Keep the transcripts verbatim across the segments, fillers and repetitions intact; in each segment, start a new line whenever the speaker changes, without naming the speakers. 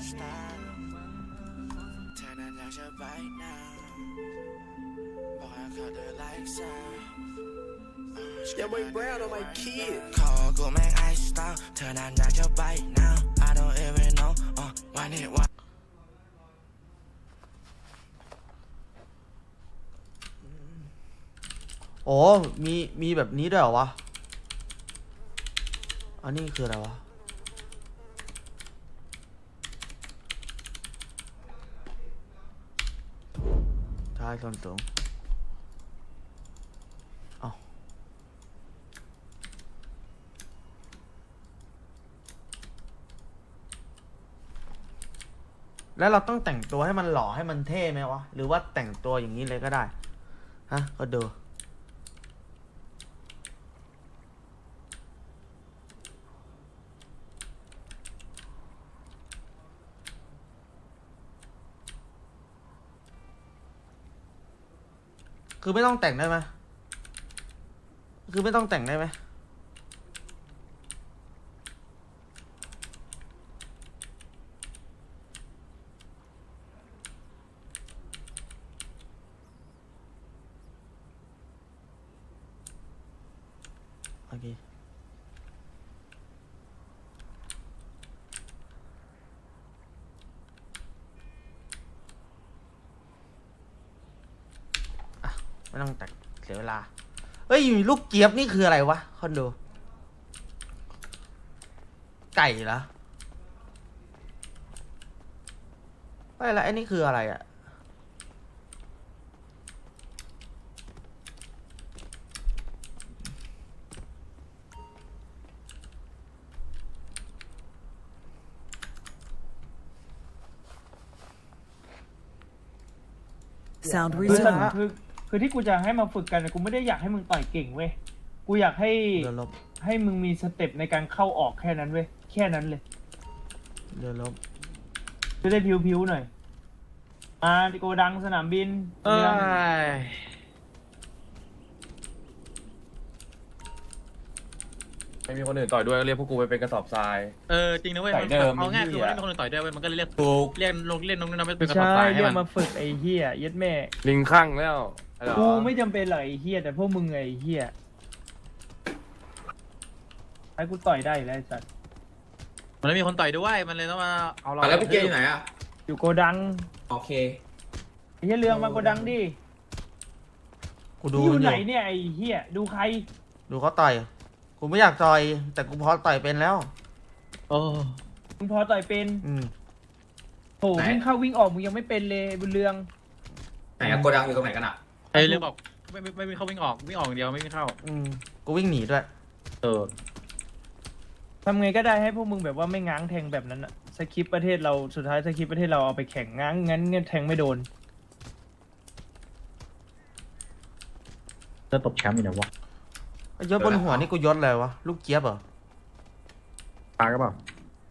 Yeah, boy, Brown on my kid.
ขอกูแม่งไอสตาร์เธอนั้นอยากจะไป now I don't even know อ่ะวันนี้วัน
โอ้มีมีแบบนี้ด้วยเหรอวะอันนี้คืออะไรวะท้ายส่วนตรงเอาแล้วเราต้องแต่งตัวให้มันหล่อให้มันเท่ไหมวะหรือว่าแต่งตัวอย่างนี้เลยก็ได้ฮะก็ดูคือไม่ต้องแต่งได้ไหมคือไม่ต้องแต่งได้ไหมโอเคไม่ต้องแต่งเสียเวลาเฮ้ยลูกเจี๊ยบนี่คืออะไรวะคอนโดไก่เหรอไม่ละไอ้นี่คืออะไรอะ
คือคือคือที่กูจะให้มาฝึกกันกูไม่ได้อยากให้มึงต่อยเก่งเว้ยกูอยากให้
เรือลบ
ให้มึงมีสเต็ปในการเข้าออกแค่นั้นเว้ยแค่นั้นเลย
เรือลบ
จะได้พิ้วๆหน่อยอ่าโกดังสนามบิน
เอ้ยไม่มีคนอื่นต่อยด้วยก็เรียกพวกกูไปเป็นกระสอบทราย
เออจริงนะเว้ย
ใส่เดิม
เอาง่าย
ไอ้
คือ
เหี้ย
ไม่มีคนอื่นต่อยด้วยเว้ยมันก็เลยเรียก
ถูก
เรียกลงเล่นลงน้ำไม่เป็นกระสอบ
ใช่
ทรายให้
เรีย
มั
ก
น
มาฝึกไอ้เหี้ยเย็ดแม่
ลิงข้างแล้วไอ้เหรอ
กูไม่จำเป็นหรอกไอ้เหี้ยแต่พวกมึงไอ้เหี้ยให้กูต่อยได้แล้วไอ้สัส
มันไม่มีคนต่อยด้วยมันเลยต้องมาเอาเรา
แล้วพี่เกย์อยู่ไหนอ่ะ
อยู่โกดัง
โอเค
ไอ้เหี้ยเรืองมาโกดังดิ
กูดู
อยู่
มัน
ไหนเนี่ยไอ้เหี้ยดูใคร
ดูเขาต่อยกูไม่อยากต่อยแต่กูพอต่อยเป็นแล้ว
โอ้
มึงพอต่อยเป็น
อืม
โหวิ่งเข้าวิ่งออกมึงยังไม่เป็นเลยบุญเรือง
ไหนอะโกดังอยู่ตรงไหนกันอ่ะ
ไอ้เรื่องบอกไม่ไม่ไม่ไม่เข้าวิ่งออกวิ่งออกอย่างเดียวไม่ไม่เข้า
อืมกูวิ่งหนีด้วย
เออ
ทำไงก็ได้ให้พวกมึงแบบว่าไม่ง้างแทงแบบนั้นอะสคริปต์ประเทศเราสุดท้ายสคริปต์ประเทศเราเอาไปแข่งง้างงั้นเงี้ยแทงไม่โดน
จะตบแชมป์อยู่นะวะ
ยศบนหัวนี่กูยศอะไรวะลูกเจี๊ยบเหรอ
ตาก็เปล่า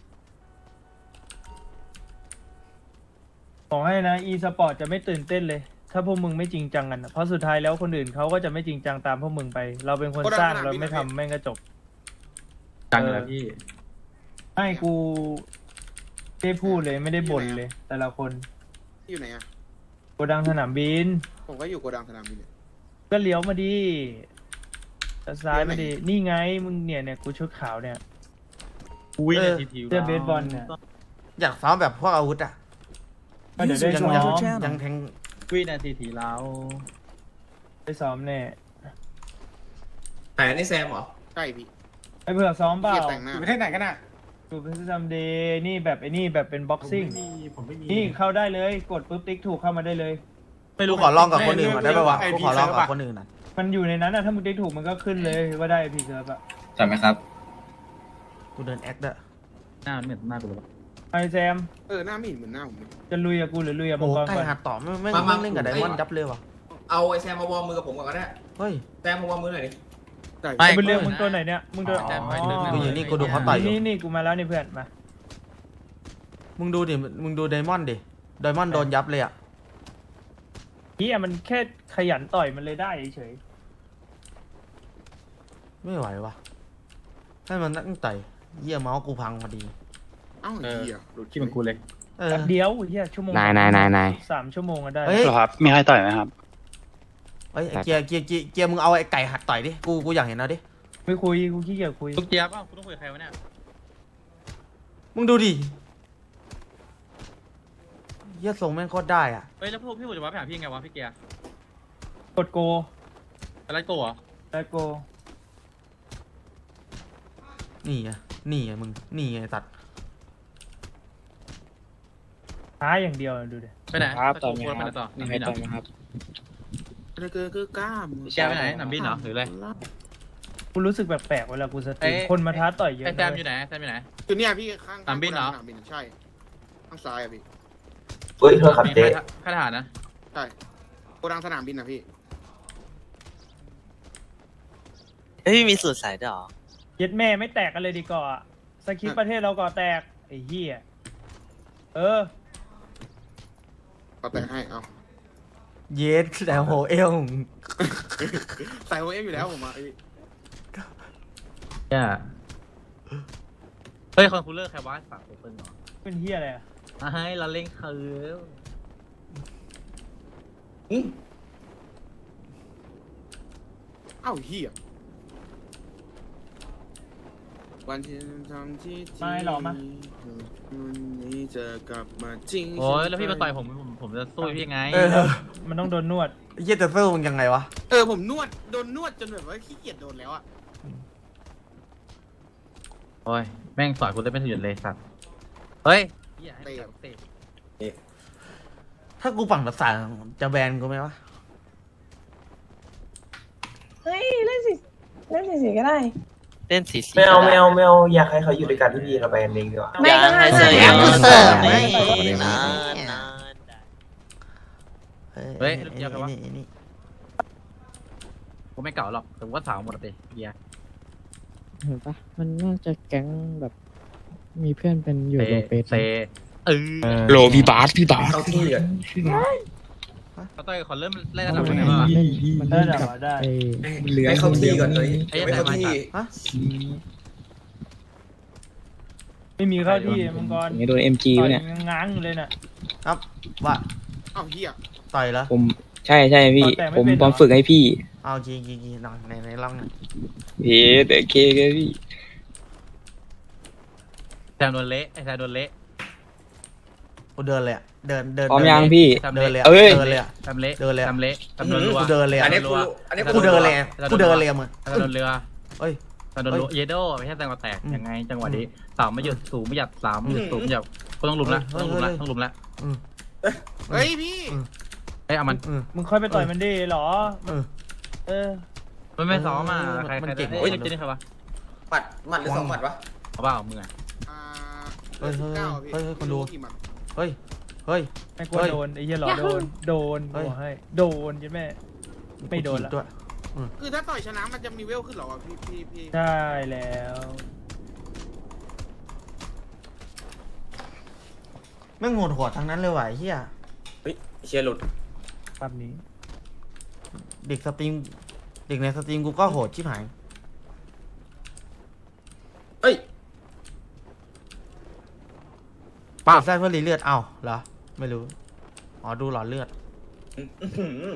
บอกให้นะ e สปอร์ตจะไม่ตื่นเต้นเลย ถ้าพวกมึงไม่จริงจังกันอะเพราะสุดท้ายแล้วคนอื่นเขาก็จะไม่จริงจังตามพวกมึงไป เราเป็นคนสร้างเราไม่ทำแม่งก็จบ
จังเลยพี่
ให้กูได้พูดเลยไม่ได้บ่นเลย แต่ละคน
อยู่ไหนอ่ะ
โกดังสนามบิน
ผมก็อยู่โกดังสนามบินเนี่ย
ก็เลี้ยวมาดีซ้ายมาดีนี่ไงมึงเนี่ยเนี่ยกูชุดขาวเนี่ย
อุ้ยเนี่ยทีที
เสื้อเบสบอลเนี่ย
อยากซ้อมแบบพวกอาวุธอ่ะ
ก็เดี๋ยวได้
ยัง
ซ้อ
ยัง
ม
ยังแทง
วินาทีทีแล้ว
ได้ซ้อมแน่
ไหนนี่แซมเหรอ
ใช่พี่
ไอ้เผื่อซ้อมเปล่า
เกียรแต่งหน้า
อยู่ประเทศไหนกันอ่ะ
ดูเป็นซัมเดย์นี่แบบไอ้นี่แบบเป็นบ็อกซิ่ง
ผมไม่มี
นี่เข้าได้เลยกดปุ๊บติ๊กถูกเข้ามาได้เลย
ไม่รู้ขอลองกับคนอื่นก่อนได้ไหมวะกูขอลองกับคนอื่นน่ะ
มันอยู่ในนั้นอะถ้ามึงติ๊กถูกมันก็ขึ้นเลยว่าได้พีเซิร์ฟอะ
ใช่ไหมครับ
กูเดินแอคด้วย
หน้าเหมือนหน้ากูเลย
ไอแซม
เออหน้าไม่เห็นเหมือนหน้าผมเลย
จะลุยกับกูหรือลุยกับมั
โอ้
งกร
ใกล้
ก่อน
หาต่อไม่ไม่
มามา
ไม่เล่นกับไดมอนด์ยับเลยวะ
เอาไอ้แซมมาวอร์มมือกับผมก่อนก็ได้
เฮ้ย
แซมมาวอร์มมือหน่อยดิ
ใช่
ไม่
เป็นเรื่องมึงตัวไหนเนี่ยมึงตัว
แต่ไม่ลึก
กูอยู่นี่กูดูเขาต่อยอยู่
นี่นี่กูมาแล้วนี่เพื่อนมา
มึงดูดิมึงดูไดมอนด์ดิไดมอนด์โดนยับเลยอ่ะ
เฮียมันแค่ขยันต่อยมันเลยได้เฉย
ไม่ไหววะให้มันตั้งต่อยเยี่ยเมาส์กูพังพอดี
เอ้า
เออ
เหี้ยหลุด
คิดเหมือนกูเลย
เออ
แป๊บเดียวเฮียชั่วโมง
นายนายนายนาย
สามชั่วโมงก็ได้
เฮ้ย
หรอครับมีใครต่อยไหมครับ
เฮ้ยไอ้เกียร์เกียร์เกียร์เกียร์มึงเอาไอ้ไก่หัดต่อยดิกูกูอยากเห็นเอาดิ
ไม่คุยกูขี้เกียจคุย
ลูกเจี๊ยบป่ะคุณต้องคุยกับใครวะเนี่ย
มึงดูดิเหี้ยทรงแม่งโคตรได้อ่ะ
เฮ้ยแล้วพวกพี่ผมจะมาไปหาพี่ไงวะพี่เกียร์
กดโก
อะไรโกเหรอ
แล้วโก
นี่ไงนี่ไงมึงนี่ไงสัตว์
ท้าอย่างเดียวดูดิ
ไปไหน
ครับ
ไป
ต่อ
โก
ไหม
ควรไป
ค
ไหน
รับ
ต่อ
มี
หนัง
ใคร
บินเหร
ต่
อ
อยไหมครับ
อะไรเกินคือกล้าม
แกไปไหนหนังบินเหรอหรืออะไร
กูรู้สึกแปลกๆเวลากูสตรีม
เอ้ย
คนมาท้าต่อยเยอะ
ไอ้แซม
นะ
อยู่ไหนแซมอยู่ไหน
คือเนี่ยพี่ข้าง
สนามบินเหรอ
สนามบินใช่ข้างซ้ายอะพี่
เฮ้ยโทษครับเจ๊
ข้าทหารนะ
ใช่โกดังสนามบินนะพี่
เฮ้ยมีสูตรใส่ด้วยเหรอ
เย็ดแม่ไม่แตกกันเลยดีกว่าสคริปต์ประเทศเราก่อแตกไอ้เหี้ยเออ
ก็แต่งให้เอา
เยสแต่โหเอว
ใส่โอเอ็มอยู่แล้วผมอ่ะไอ้
เนี่ยเฮ้ยคอนคูลเลอร์ใครวะฝากโอเปิลเหรอ
เป็นเหี้ยอะไรอะ
อ่ะให้เราเล่นเคิร์ฟ
เอ้าเฮียวันที่ทำที่ที่วันนี้จะกลับมาจริง
โอ้ยแล้วพี่มาต่อยผมผมผมจะสู้พี่ยังไง
เออ
มันต้องโดนนวด
เหี้ยแต่สู้มึงยังไงวะ
เออผมนวดโดนนวดจนแบบว่าขี้เกียจโดนแล้วอ่ะ
โอ้ยแม่งสอยกูได้ไม่ถึงหยุดเลยสัตว์เฮ้ยเหี้ยให้เตะเตะ
ถ้ากูฝั่งภาษาจะแบนกูไหมวะ
เฮ้ยเล่นสิเล่นสิสิก็ได้
เล่นสีสี
ไม่เอาไม่เอาไม่เอาอยากให้เขาอยู่ด้วยกันที่พี่เราไปกันเองดีกว่า
ไม่ได้
ให้
ไม่
เสิร์ฟ
ได้
ให้เสิร์ฟไม่
ไม่
นาน
ไม่
นาน
เฮ้ย
ไอ้
เดี๋ยวครับวะ
นี่ไอ้นี่
กูไม่เก่าหรอกแต่กูก็สาวหมดเลยเฮีย
เห็นปะมันน่าจะแก๊งแบบมีเพื่อนเป็นอยู่
เต
โลเปส
เตเออ
โลพี่บาสพี่บาส
เข้าที่ก่อน
เขาต่อยขอเริ่มไล่ระดับกันหน่อยว่า
เล่นมันเล่นกับ
ได้
ไอ้
ให้เข้าที่ก่อนเลย
ไอ้
ไม่เข้าที่
ฮะ
ไม่มีเข้าที่มังกร
อย่างเงี้ยโดนเอ็มจี
ต่อย
เนี่ย
ง้างอยู่เลยน่ะ
ครับว่า
เอ้าเฮีย
ต่อยแล้ว
ผมใช่ใช่พี่
แต่ไม่
ผม
เป็นเหรอ
ผมฝึกให้พี่
เอากีกีกีหน่อยในในร่องหน่อย
เฮ้แต่เคก็พี่
แซมโดนเละไอ้แซมโดนเละ
กูเดินเลยอะเดินเดิน
พร้อม
เดิน
ยัง
เลย
พี่
แซม
เดิน
เละ
เลยอะ
เอ้ย
เดินเลยอะ
แซมเละ
เดินเลยอะ
แซมเละแซมโดนรัว
กูเดินเลยอะ
อันนี้กูอันนี้
กูเดินเลยอะกูเดินเลยอะมึง
แซมโดนเรือ
เอ้ย
แซมโดนรัวเยโดไม่ใช่แซมมาแตกยังไงจังหวะนี้สามไม่หยุดสูงไม่หยัดสามไม่หยุดสูงไม่หยัดก็ต้องลุมละต้องลุมละต้องลุมละ
เฮ้ยพี่
เฮ้ยเอามัน
อืม
มึงค่อยไปต่อยมันดิเหรอ
เออ
เออ
มันไม่ซ้อมอ่ะ
เออ
ใคร
มัน
ใคร
เก่ง
เฮ้ย
กว่า
เจนี่ใครวะ
หมัดหมัดหรือสองหมัดวะ
เอาเปล่ามึงอ่ะ
อ่า
เฮ้ยเฮ้ย
เก้าพี่
เฮ้ยเฮ้ยคนดู
กี่หมัด
เฮ้ยเฮ้ย
ไม่กลัว
เฮ้ย
โดนไอ้เหี้ยเหรอโดนโดน
เฮ้ย
บอกให้โดนใช่ไหม ไม่โดนละ
กูถีบด้วย
คือถ้าต่อยชนะมันจะมีเวลขึ้นเหรอวะพี่พี่พี่
ใช่แล้ว
แม่งโหดหัวทั้งนั้นเลยว่ะไอ้เฮีย
เฮ้ยเชียร์หลุด
ภาพนี้
เด็กสตรีมเด็กในสตรีมกูก็โหดชิบหาย
เฮ้ย
ป้าใส่เพื่อรีเลือดเอ้าเหรอไม่รู้อ๋อดูหลอดเลือด
อื้อหือ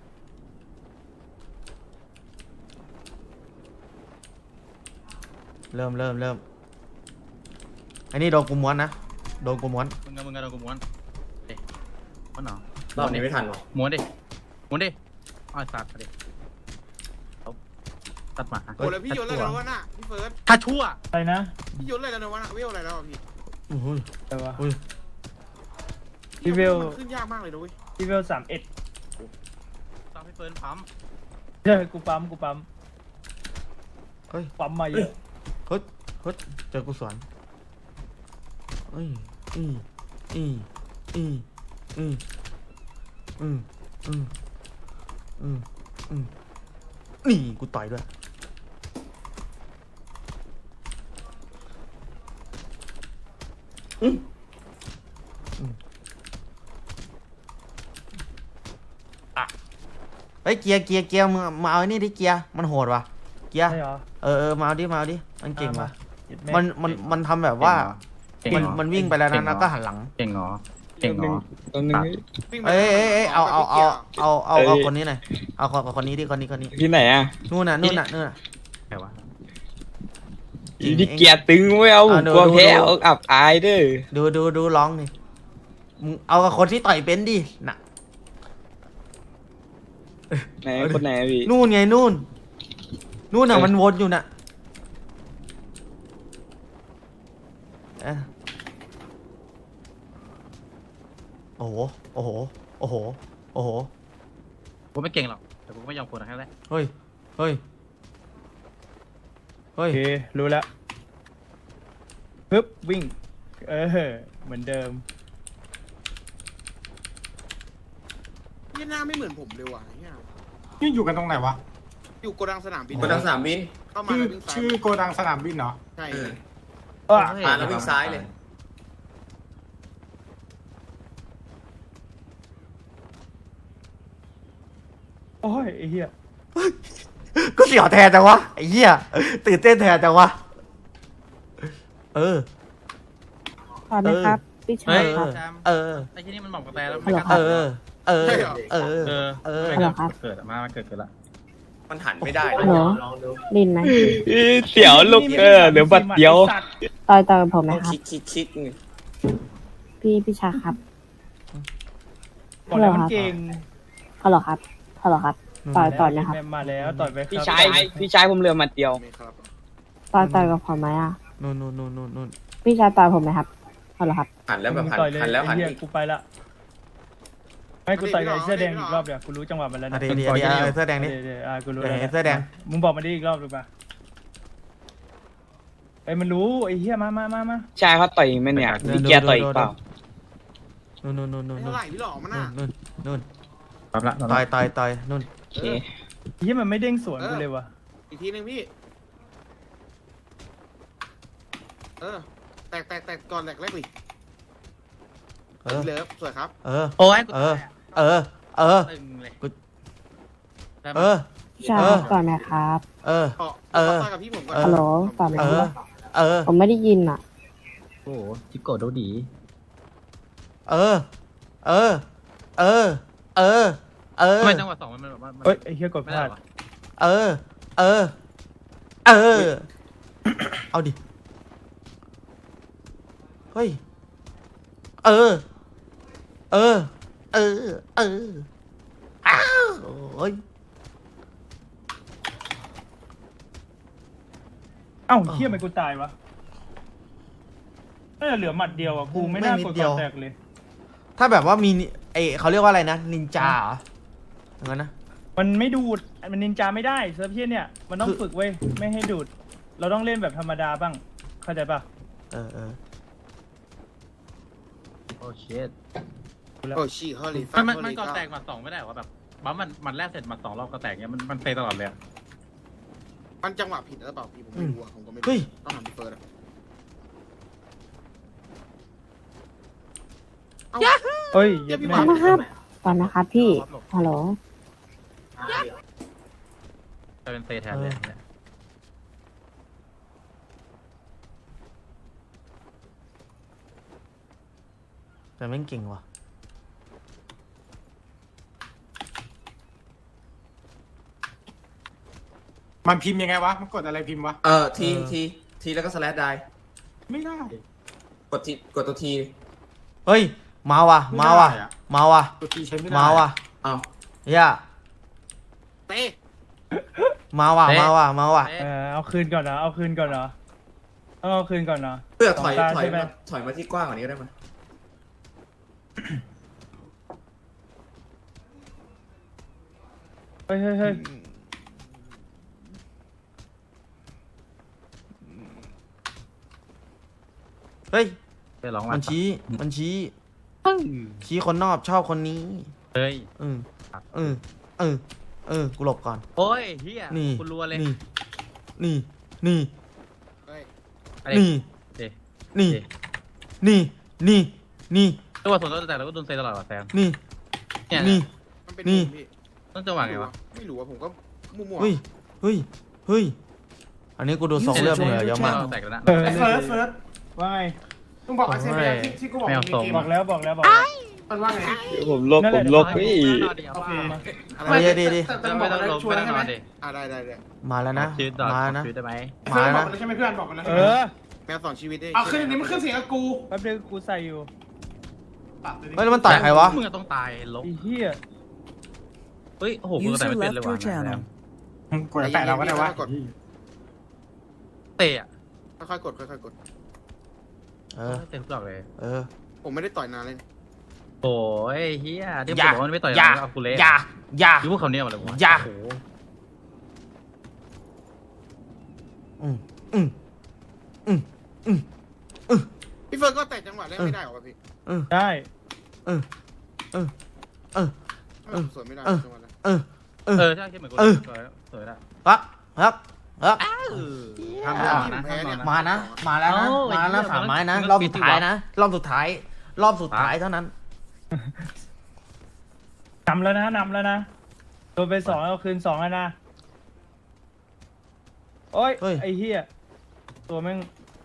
เริ่มเริ่มเริ่มอันนี้โดนกูม้วนนะโดนกูม้วน
มึงกับมึงกับโดนกูม้วนเอ๊ะม้วนเหรอ
รอบนี้ไม่ทันหรอ
ม้วนดิม้วนดิอ้าวสัตว์ดิเอาตัดหมา
โอ้แล้วพี่โยนอะไรแล้ววะน่ะพี่เฟิร์ส
ถ้าชั่ว
อะไรนะ
พี่โยนอะไรแล้ววะน่ะเวลอะไรแล้วอะพี่
อุ้ย
แต่ว่า
อุ้ย
พี่เวล
มันขึ้นยากมากเลยนะเว้ย
ที่เวลสามเอ็ด
ต้องให้เฟิร์นปั๊ม
เฮ้ยกูปั๊มกูปั๊ม
เฮ้ย
ปั๊มมาเยอะ
เฮ้ยเฮ้ยเจอกูสวนเอ้ยอืมอืมอืมอืมอืมอืมอืมอืมนี่กูต่อยด้วยอืมอืมอ่ะเฮ้ยเกียร์เกียร์เกียร์มึงมาเอาไอ้นี่ดิเกียร์มันโหดว่ะเกียร์
ใช่เหรอ
เออเออมาเอาดิมาเอาดิมันเก่งว่ะ
เย็ดแม่
มันมันมันทำแบบว่า
เก่ง
มัน
เหรอ
มันวิ่งไปแล้วนะ
เก่งเหรอ
แล้วก็หันหลัง
เก่งเหรอเก่งเหรอ
ตรงนึง
วิ่งไป
เอ้ยเอ้ยเอ้ยเอาเอาเอาเอาเอา
เอ้
เอา
ย
คนนี้หน่อยเอาคนคนนี้ดิคนนี้คนนี้
ที่ไหนอ่ะ
นู่นน่ะนู่นน่ะนู่นน่ะ
ใครวะ
ที่เกียร์ตึงไม่เอา
อ่ะดู
กลัว
ดู
แพ้
ดู
เอาอับอายเด้อ
ดูดูดูร้องนี่มึงเอากับคนที่ต่อยเป็นดิน่ะ
ไหนคนไหนอะพี่
นู่นไงนู่นนู่นน่ะ
เอ้ย
มันวนอยู่น่ะเอ้ยโอ้โหโอ้โหโอ้โหโอ้โห
กูไม่เก่งหรอกแต่กูก็ไม่ยอมคนนะแค่นั้นแหละ
เฮ้ยเฮ้ยเฮ้
โอย เครู้แล้วปึ๊บวิ่ง เออเหมือนเดิม
ยี่หน้าไม่เหมือนผมเลยว่ะเนี่ย
นี่อยู่กันตรงไหนวะ
อยู่โกดังสนามบิน
กดดังสนามบิน
เข้ามา
ชื่อ
แล้ววิ่งซ้าย
ชื่อโกดังสนามบินเหรอ
ใช่
เออ
อ่ะ
ผ่านแล้ววิ่งซ้ายเลย
โอ้ยไอ้เหี้ย
ก็เสียวแทนจังวะไอ้เหี้ยตื่นเต้นแทนจังวะเออ
ขอนะครับ พี่ชา
เฮ้
ย
ย
ครับ
เออ
ไอ้ที่นี่มันบอกกระแตแล้ว
ฮัลโหล
ไม่
เอก
ล้า
อ เออ เออ เออ
เออ
เออ
ไม่กล้าเกิดอะมามาเกิดเกิดละ
มันหันไม่ได้
ฮัลโหลลินไหม
เสียวลูกเออเดี๋ยวบัดเดียว
ต่อยต่อยกับผมไหม
ต้อง
ครับ
คิกคิกคิกไง
พี่พี่ชายครับ
บอกแล้วมันเก่ง
ฮัลโหลครับฮัลโหลครับ ต่อยต่อยนะครับ
มาแล้วต่อยไปครับ
พี่ชายพี่ชายผมเรือมาเดียว
ไม่ครับ
ต่อยต่อยกับผมไหมอ่ะ
นู่นนู่นนู่นนู่นนู่น
พี่ชายต่อยผมไหมครับฮัลโหลครับ
หันแล้วแบบหัน
ต่อยเลย
หันแล้วหัน
ไอ้เหี้ย
อีก
กูไปละให้กูต่อยกับไอ้เสื้อแดงอีกรอบเดี๋ยวกูรู้จังหวะมันแล้ว
อ่ะ
นะ
เดี๋ยวเดี๋ยวเดี๋ยวเอาเสื้อแดงนี่
เดี๋ยวเดี๋ยวอ่ะกูรู้
เดี๋ยว
แล้ว
เห็นเสื้อแดง
มึงบอกมาดิอีกรอบหรือเปล่าไอ้ยมันรู้ไอ้เหี้ยมามามามา
ชายเขาต่อยไหมเนี่ยพี่เกียร์ต่อยอีกเปล่า
นู่นนู่นนู่นนู่น
ไม่
นู่
เท่าน ไหร่พี่หลอกมันน่ะ
นู่นนู่น
รับละรับ
ต่อ
ละ
ยต่อยต่อยนู่น
โอเค
เหี้ยมันไม่เด้งสวนกูเลยว่ะ
อีกทีหนึงพี่ เออ แตกแตกแตกก่อนแตกแรกดิ
เออ
เลิฟสวยครับ
เออ
โอ้ยกู
เออ
ตายอะ
เออ เออ
ตึงเลย
กู
ได้ไหม
เออ
พี่ชาย
เออ
ต่อยไหมครับ
เออ
ขอ
เออ
ขอต่อยกับพี่ผมก่อน
ฮัลโหลต่อยไหม
เอ
ค
อ
รับ
เออ
ผมไม่ได้ยินอ่ะ
โอ้โหจิโกะดูดี
เออ เออ เออ เออ เออ
ทำไมจังหวะสองมันแบบว่ามัน
เอ้ยไอ้เหี้ยกดพ
ไม่
ลา
ได้
ด
หรอ
เออ เออ เออ เอาดิ เฮ้ย เออ เออ เออ เออ อ้าวโอ้ย
เอ้าเหี้ยทำไมกูตายวะน่าจะเหลือหมัดเดียวอ่ะกูไม่น่ากดก่อนแตกเลย
ถ้าแบบว่ามีนิไอเขาเรียกว่าอะไรนะ นินจาเหรออย่างนั้นนะ
มันไม่ดูด มันนินจาไม่ได้เซิร์ฟเพี้ยนเนี่ย มันต้อง
คือ
ฝึกเว้ย ไม่ให้ดูด เราต้องเล่นแบบธรรมดาบ้าง เข้าใจปะ
เออเออ
โอ้เชิด
โอ้ชีฮอลลี่
มันมันมันก่อนแตกหมัดสองไม่ได้เหรอแบบบัมมันมันแรกเสร็จหมัดสองรอบก็แตกเนี้ยมันมันเฟยตลอดเลยอะ
มันจังหวะผิดหรือเปล่าพี่ผมไม่รู้อะผมก็ไม่รู้
เฮ้ย
ต้องถามพี่เฟิร์สอะเอ้า
เฮ้ย
เดี๋
เย็
ยว
บ
พี่
แม่
บอก
นะครับต่อยนะครับพี่ ฮัลโหล
จะเป็นเฟยแทนเลยเนี่ย
แต่แม่งเก่งว่ะ
มันพิมพ์ยังไงวะ มันกดอะไรพิมพ์วะ
เออทีทีทีแล้วก็สแลชได้
ไม่ได้
กดทีกดตัวที
เฮ้ย มาว่ะ มาว่ะ
ไม่ได้อะ
มาว่ะ
ตัวทีใช้ไม่ได้
มาว่ะ
อ้าว
เฮีย
เต้
มาว่ะ มาว่ะ มาว่ะ
เออเอาคืนก่อนนะ เอาคืนก่อนนะต้องเอาคืนก่อนนะ
เพื่อถอย
สงตา
ถอย
ใช่ไหม
มาถอยมาที่กว้างกว่านี้ก็ได้มั้ย
เฮ้ยเฮ้ยเฮ้ย
เฮ้ย
เฟยร้อง
มันชี้ มันชี้ ชี้คนนอกชอบคนนี้
เฮ้ย
อืมอืมเออ เออ กูหลบก่อน
โอ้ยเฮีย
นี่
คุณรัวเลย
นี่ นี่ นี่
เฮ้ย
อะไร
นี่
เอ๊ะ
นี่
เอ๊ะ
นี่ นี่ นี่
จังหวะสวนต้นแต่เราก็โดนเซตลอดว่ะแซม
นี่
เนี่ย
นี่
มันเป็น
นี่
มุมพี่
ต้องจังหวะไงวะ
ไม่รู้อะผมก็มั่วๆ
เฮ้ย เฮ้ย เฮ้ย อันนี้กูดูทรงเลือดเหนื่อยเยอะมาก
แตกแล้วนะ
เออ
เฟิร์สเฟิร์ส
ว่าไง
มึงบอกไอ้เซเบียที่ที่กูบอกมึงมีเกม
บอกแล้วบอกแล้วบอกแล้ว
มันว่าไง
ผมลบผมลบพี่
โอเคมา
อะไรดีดี
แต่แต่
จะ
บ
ไม่
อก
ต้อง
แล้ว
ลง
ชวน
ไม่
แล้ว
ต้อง
ใช่ไหม
นอนดิ
อ่าได้ได้ได้
มาแล้วนะ
ชีวิตต่อ
มาแล้วนะ
ชีวิตได้ไหม
เฟิร์นบอกแล้วใช่ไหมเพื่อนบอกแล้วใช่
เอ
ไหม
อ
แมวสองชีวิตได้
เอาขึ้นอันนี้มันขึ้นเสียงกับกู
แป๊บนึงกูใส่อยู่
เฮ้ยแล้วมันต่อยใครวะ
มึงต้องตายลบ
ไอ้เหี้ย
เฮ้ยโอ้โหกูแต่ไม่เป็นเลยว่ะ
กดแปะเราก็ได้วะ
เตะอะ
ค่อยๆกดค่อยๆกด
เออ
เตะทุกดอกเลย
เออ
ผมไม่ได้ต่อยนานเลย
โอ้ยเฮียที่
อย่า
ผมว่ามันไม่ต่อย
อย่า
เอากูเละ
อย่าอย่า
คือพวกเขาเนี่ยมาเลยวะ
อย่า
โอ้โห
อืมอืมอืมอืม
พี่เฟิร์นก็แตะจังหวะแรกไม่ได้หรอพี่
อืม
ได้
เออเออเออ
ทำไมผมสวนไม่ได้จังหวะแรก
เออ
เออใช่ใช่เหมือนกู
เออ
สวยสวยละ
ครับครับครับ
ทำได้นะ
มานะ มาแล้วนะ มาแล้วนะสามไม้นะ รอบสุดท้ายนะ รอบสุดท้าย รอบสุดท้ายเท่านั้น
นำแล้วนะนำแล้วนะโดนไปสองเอาคืนสองแล้วนะโอ้ย
เฮ้ย
ไอ้เหี้ยตัวแม่ง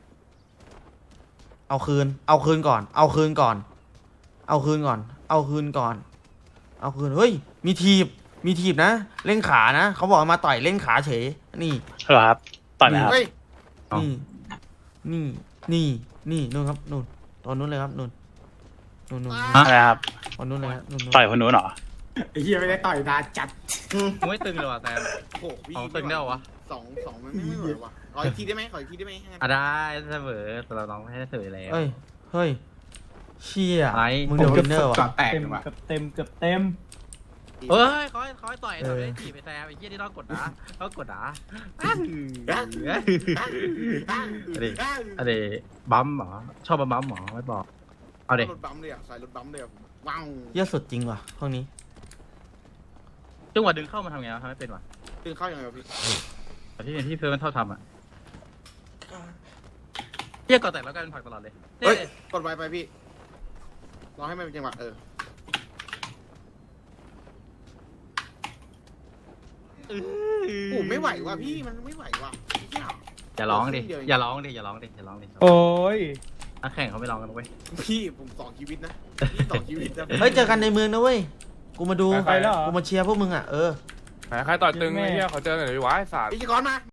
เอาคืน เอาคืนก่อน เอาคืนก่อน เอาคืนก่อน เอาคืนก่อน เอาคืน เฮ้ย มีทีบ มีทีบนะ เล่นขานะ เขาบอกมาต่อยเล่นขาเฉย นี่
เหรอครับต่อยไหมครับ
เฮ้ย
นี่ นี่ นี่ นี่ นู่นครับ นู่น ตอนนู้นเลยครับ นู่น นู่นนู่น
อะไรครับ
ตอนนู้นเลยครับนู่นนู่น
ต่อยคนนู้นเหรอ
ไอ้เหี้ยไม่ได้ต่อยนานจัด
มึงไม่ตึงเลยว่ะแซม
โอ้โหพี่
ของตึงได้เหรอวะ
สองสองมันไม่ไม่ไหวว่ะขออีกทีได้ไหมขออีกทีได้ไหม
อ่ะได้เสมอแต่เราลองให้เสมอแล้ว
เฮ้ย เฮ้ย เชี่ย
อะไร
มึงเดี๋ยววินเนอร์ว่ะ
แตก
เต็ม
เลยว่ะ
เกือบเต็มเกือบเต็ม
เฮ้ยเขาให้เขาให้ต่อย
เออ
ทำไมได้จีบไปแซมไอ้เหี้ยที่ต้องกดนะต้องกดนะอันนี้อันนี้บัมเหรอชอบบัมเหรอไม่บอกเอาเด็ก
รถบัมเลยอ่ะสายรถบัมเลยอ่ะผมว้าว
เยอะสุดจริงว่ะพวกนี้
จังหวะดึงเข้ามาทำไงวะทำไม่เป็นวะ
ตื่นเข้ายังไงวะพี่
แต่ที่ที่เพื่อนมันเท่าทำอ่ะเรียกก่อนแต่แล้วกันผลักตลอดเลย
เฮ้ยกดไวไปพี่รอให้มันเป็นจังหวะเออ โอ้ไม่ไหวว่ะพี่มันไม่ไหวว่ะ
อย่าร้องดิอย่าร้องดิอย่าร้องดิอย่าร้องดิ
โอ้ย
นักแข่งเขาไม่ร้องกันเว้ย
พี่ผมสองชีวิตนะพี่สองชีวิตนะ
เฮ้ย เจอกันในเมืองนะเว้ย กูมาดู
ไปแล้วเหรอ
กูมาเชียร์พวกมึงอ่ะ เออ
ใครต่อยตึงไอ้เหี้ยเขาเจอกันหน่อยดิวะไอ้สัตว์
พี่ชิกรมา